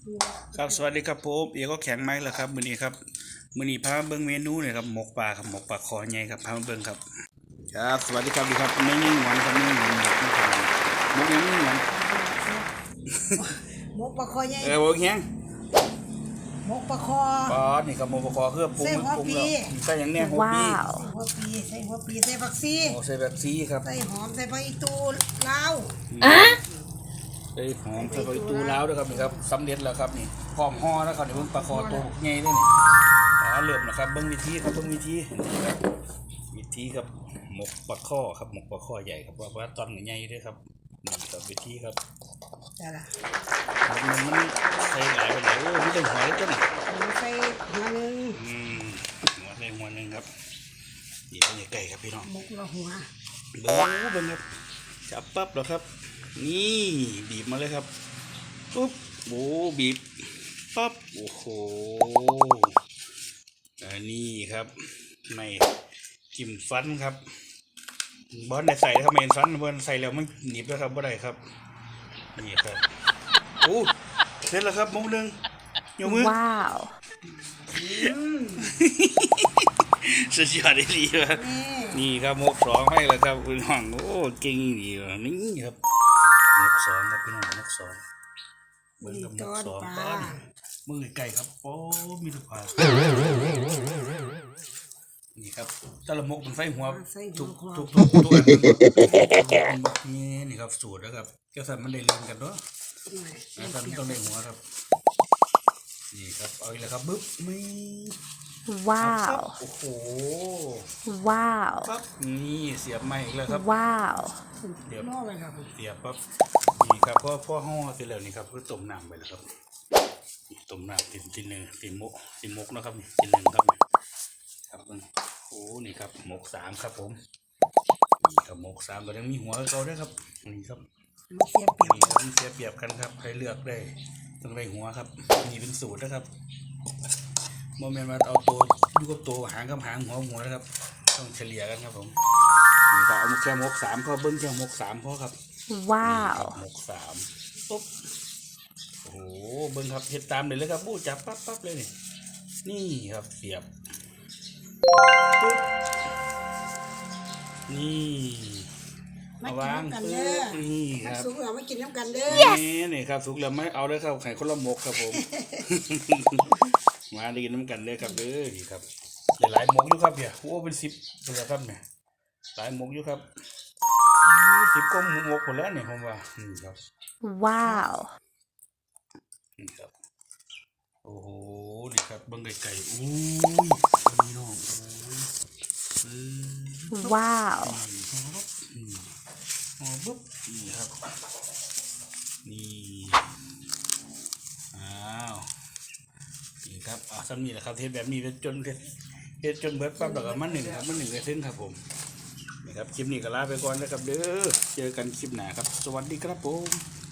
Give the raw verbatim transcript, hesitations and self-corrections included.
ครับสวัสดีครับผมเอกก็แข็งไม้แล้วครับมื้อนี้ครับมื้อนี้พาเบิ่งเมนูเนี่ยครับหมกปลาครับหมกปลาคอใหญ่ครับพามาเบิ่งครับครับสวัสดีครับดีครับไม่ยิ่งหวานครับไม่ยิ่งหวานหมกไม่ทานหมกยังไม่หวานหมกปลาคอใหญ่เออหมกแข็งหมกปลาคอปอนี่ครับหมกปลาคอเพื่อปรุงปรุงแล้วใส่อย่างเนี้ยหัวปีหัวปีใส่หัวปีใส่ผักซีโอ้ใส่แบบซีครับใส่หอมใส่ใบตูลาวอ่ะใส่หอมใส่ใบตูลาวด้วยครับนี่ครับสำเร็จแล้วครับนี่พร้อมห่อแล้วครับนี่เบิ่งปลาคอตัวใหญ่เลยนี่อ่าเริ่มนะครับเบิ่งวิธีครับเบิ่งวิธีวิธีครับหมกปลาคอครับหมกปลาคอใหญ่ครับว่าว่าตอนใหญ่ด้วยครับนี่ครับวิธีครับจ้ะล่ะมันมันใส่หลายไปไหนโอ้ไม่ใช่หัวเลยจ้ะนี่ใส่หัวหนึ่งอืมหัวใส่หัวหนึ่งครับเดี๋ยวนี่ไก่ครับพี่น้องหมกละหัวเบิ้งเบิ้งครับจับปั๊บแล้วครับนี่บีบมาเลยครับปุ๊บโอ้บีบปั๊บโอ้โหอันนี้ครับไม่จิ้มฟันครับบอลได้ใส่ครับไม่เห็นฟันบอลใส่แล้วมันหนีบแล้วครับบ่ได้ครับนี่ครับโอ้เสร็จแล้วครับมุกหนึ่งยกมือว้าวสุดยอดดีเลยนี่ครับมุกสองให้แล้วครับพี่น้องโอ้เก่งดีเลยนี่ครับมุกสองครับพี่น้องมุกสองเบิ้งกับมุกสองป้อนมือไก่ครับโอ้มีทุกผ่านี่ครับตะละมกมันไฟหัวทุกทุกทุกทุกอันนี่นี่ครับสูตรนะครับเจ้าสันมันได้เรียนกันเนาะอาจารย์ต้องได้หัวครับนี่ครับเอาอีกแล้วครับบึ๊บไม่ว้าวโอ้โหว้าวปั๊บนี่เสียบใหม่อีกแล้วครับว้าวเดี๋ยวล่อไปครับเสียบปั๊บนี่ครับพ่อพ่อห่อเสร็จแล้วนี่ครับก็ต้มน้ำไปแล้วครับต้มน้ำตินตินหนึ่งตินมกตินมกนะครับนี่ตินหนึ่งครับครับโอ้นี่ครับหมกสามครับผมนี่ครับหมกสามก็ยังมีหัวเขาด้วยครับนี่ครับเสียเปรียบนี่ครับเสียเปรียบกันครับใครเลือกได้ต้องได้หัวครับนี่เป็นสูตรนะครับโมเมนต์มาเอาตัวดูกับตัวหางกับหางหัวหัวนะครับต้องเฉลี่ยกันครับผมนี่ครับเอาแค่หมกสามพอเบิ้งแค่หมกสามพอครับว้าวหมกสามปุ๊บโอ้โหเบิ้งครับเห็ดตามเลยเลยครับบู๊จับปั๊บปั๊บเลยนี่นี่ครับเสียบนี่มาวางนี่ครับสุกเราไม่กินน้ำกันเด้อนี่นี่ครับสุกแล้วไม่เอาเลยครับไข่คนละมกครับผมมาดีน้ำกันเลยครับเด้อนี่ครับหลายมกอยู่ครับเนี่ยโอ้เป็นสิบเลยครับเนี่ยหลายมกอยู่ครับสิบก็มกหมดแล้วเนี่ยผมว่านี่ครับว้าวนี่ครับโอ้โหนี่ครับบังไก่ไก่อุ้ยนี่น้องว้าวอ๋อปุ๊บนี่ครับนี่อ้าวนี่ครับอ่าซ้ำนี่แหละครับเทปแบบนี้เป็นจนเทปจนเบิดปั๊บแล้วก็มันหนึ่งครับมันหนึ่งกระเซ็นครับผมนี่ครับคลิปนี้ก็ลาไปก่อนนะครับเด้อเจอกันคลิปหน้าครับสวัสดีครับผม